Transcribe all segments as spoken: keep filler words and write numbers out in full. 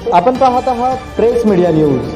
आपण पाहत आहात press media news.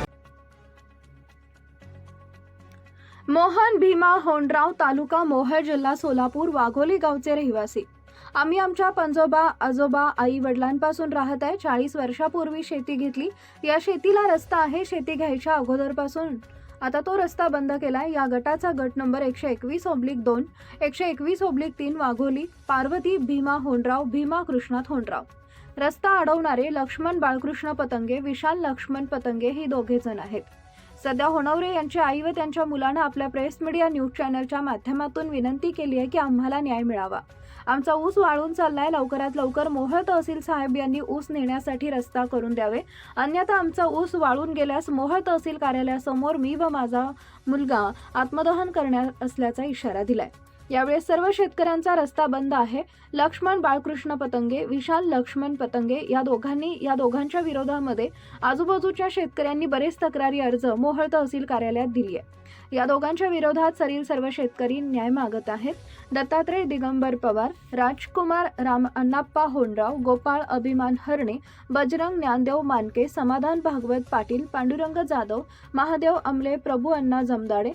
Mohan Bhima Hondrao, तालुका मोहोळ, जिल्हा सोलापूर, वाघोली गावचे रहिवासी। आम्ही आमच्या पंजोबा आजोबा आई वडिलांपासून राहत आहे। चाळीस वर्षापूर्वी शेती घेतली। या शेतीला रस्ता आहे। शेती घ्यायच्या अगोदरपासून आता तो रस्ता बंद केलाय। या गटाचा गट नंबर एकशे एकवीस ओब्लिक दोन, एकशे एकवीस ओब्लिक तीन, वाघोली, पार्वती भीमा होंडराव, भीमा कृष्णात होंडराव। रस्ता अडवणारे लक्ष्मण बाळकृष्ण पतंगे, विशाल लक्ष्मण पतंगे ही दोघे जण आहेत। सध्या होनवरे यांचे आई व त्यांच्या मुलाने आपल्या प्रेस मीडिया न्यूज चॅनलच्या माध्यमातून विनंती केली आहे की आम्हाला न्याय मिळावा। आमचा ऊस वाळून चाललाय। लवकरात लवकर मोहोळ तहसील साहेब यांनी ऊस नेण्यासाठी रस्ता करून द्यावे, अन्यथा आमचा ऊस वाळून गेल्यास मोहोळ तहसील कार्यालयासमोर मी व माझा मुलगा आत्मदहन करणार असल्याचा इशारा दिलाय। यावेळी सर्व शेतकऱ्यांचा रस्ता बंद आहे। लक्ष्मण बाळकृष्ण पतंगे, विशाल लक्ष्मण पतंगे या दोघांनी या दोघांच्या विरोधामध्ये आजूबाजूच्या शेतकऱ्यांनी बरेच तक्रारी अर्ज मोहोळ तहसील कार्यालयात दिली आहे। या दोघांच्या विरोधात सरील सर्व शेतकरी न्याय मागत आहेत। दत्तात्रय दिगंबर पवार, राजकुमार राम अण्णाप्पा होंडराव, गोपाळ अभिमान हरणे, बजरंग ज्ञानदेव मानके, समाधान भागवत पाटील, पांडुरंग जाधव, महादेव अमले, प्रभू अण्णा जमदाडे,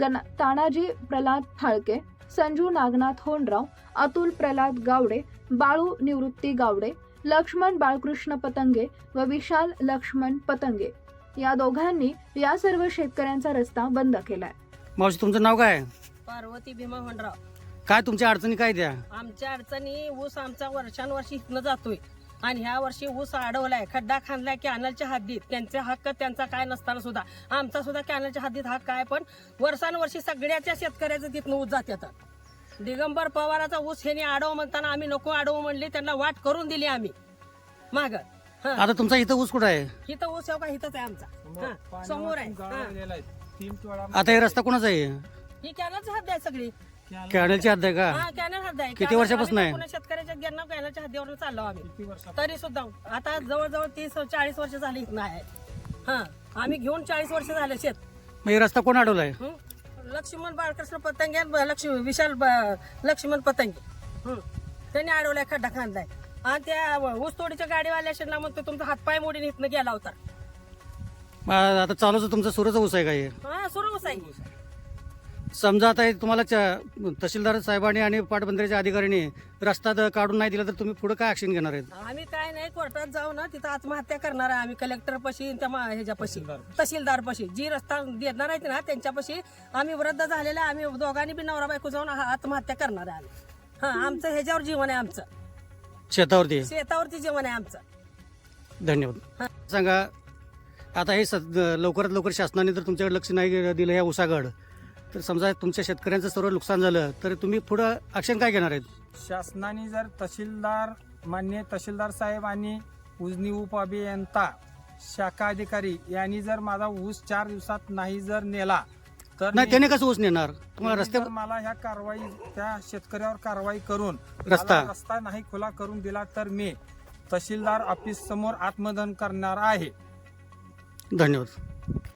तानाजी प्रल्हाद फाळके, संजू नागनाथ होंडराव, अतुल प्रल्हाद गावडे, बाळू निवृत्ती गावडे, लक्ष्मण बाळकृष्ण पतंगे व विशाल लक्ष्मण पतंगे या दोघांनी या सर्व शेतकऱ्यांचा रस्ता बंद केलाय। मावशी, तुमचं नाव काय? पार्वती भीमा होंडराव। काय तुमच्या अडचणी काय द्या? आमच्या अडचणी, ऊस आमचा वर्षानुवर्षी इथनं जातोय आणि ह्या वर्षी ऊस अडवलाय, खड्डा खांदलाय कॅनलच्या हद्दीत। त्यांचे हक्क त्यांचा काय नसताना सुद्धा आमचा सुद्धा कॅनलच्या हद्दीत हक्क आहे, पण वर्षानुवर्षी सगळ्याच्या शेतकऱ्याचं तिथनं ऊस जातात। दिगंबर पवाराचा ऊस ह्याने अडव म्हणताना आम्ही नको अडवू म्हणले, त्यांना वाट करून दिली आम्ही माग। आता तुमचा इथं ऊस कुठं आहे? इथं ऊस का इथंच आहे आमचा, समोर आहे। आता हे रस्ता कोणाचा आहे? ही कॅनलची हद्द आहे सगळी। कॅनलची हद्द आहे का? हा, कॅनल हद्द आहे। किती वर्षापासून आहे? पुणे शेतकऱ्याच्या गिरणा कॅनलच्या हद्दीवर चाललो आम्ही, तरी सुद्धा आता जवळजवळ तीस चाळीस वर्ष झाली इथं आहे। हा, आम्ही घेऊन चाळीस वर्ष झाले शेत। मग हे रस्ता कोण अडवलाय? लक्ष्मण बाळकृष्ण पतंगे, लक्ष्मी विशाल लक्ष्मण पतंगे त्यांनी अडवलाय, खड्डा खांदलाय आणि त्या ऊस तोडीच्या गाडीवाल्या म्हणतो तुमचा हातपाय मोडीने इथनं गेला होता। मग आता चालूच तुमचा सुरूचा ऊस आहे का हे? हा, सुरू ऊस आहे। समजा आता हे तुम्हाला च- तहसीलदार साहेबांनी आणि पाटबंधाऱ्याच्या अधिकाऱ्यांनी रस्ता द- काढून नाही दिला तर तुम्ही पुढे काय ऍक्शन घेणार आहेत? आम्ही काय नाही, कोर्टात जाऊ ना, तिथं आत्महत्या करणार आहे आम्ही। कलेक्टर पशी, त्या ह्याच्यापाशी, तहसीलदार पशी जी रस्ता देणार आहेत ना त्यांच्यापाशी आम्ही वृद्ध झालेला, आम्ही दोघांनी बी नवरा बायको जाऊन आत्महत्या करणार आहे आम्ही। हा, आमचं ह्याच्यावर जीवन आहे, आमचं शेतावरती शेतावरती जीवन आहे आमचं। धन्यवाद। सांगा, आता हे सद- लवकरात लवकर शासनाने जर तुमच्याकडे लक्ष नाही दिलं या ऊसागड, तर समजा तुमच्या शेतकऱ्यांचं सर्व नुकसान झालं तर तुम्ही पुढं ऍक्शन काय घेणार आहेत? शासनाने जर तहसीलदार, मान्य तहसीलदार साहेब आणि उजनी उपअभियंता शाखा अधिकारी यांनी जर माझा ऊस चार दिवसात नाही जर नेला तर नाही, मी- त्याने कसं ऊस नेणार? तुम्हाला त्यांनी रस्ते जर मला ह्या कारवाई, त्या शेतकऱ्यावर कारवाई करून रस्ता- मला रस्ता नाही खुला करून दिला तर मी तहसीलदार ऑफिस समोर आत्मदहन करणार आहे। धन्यवाद।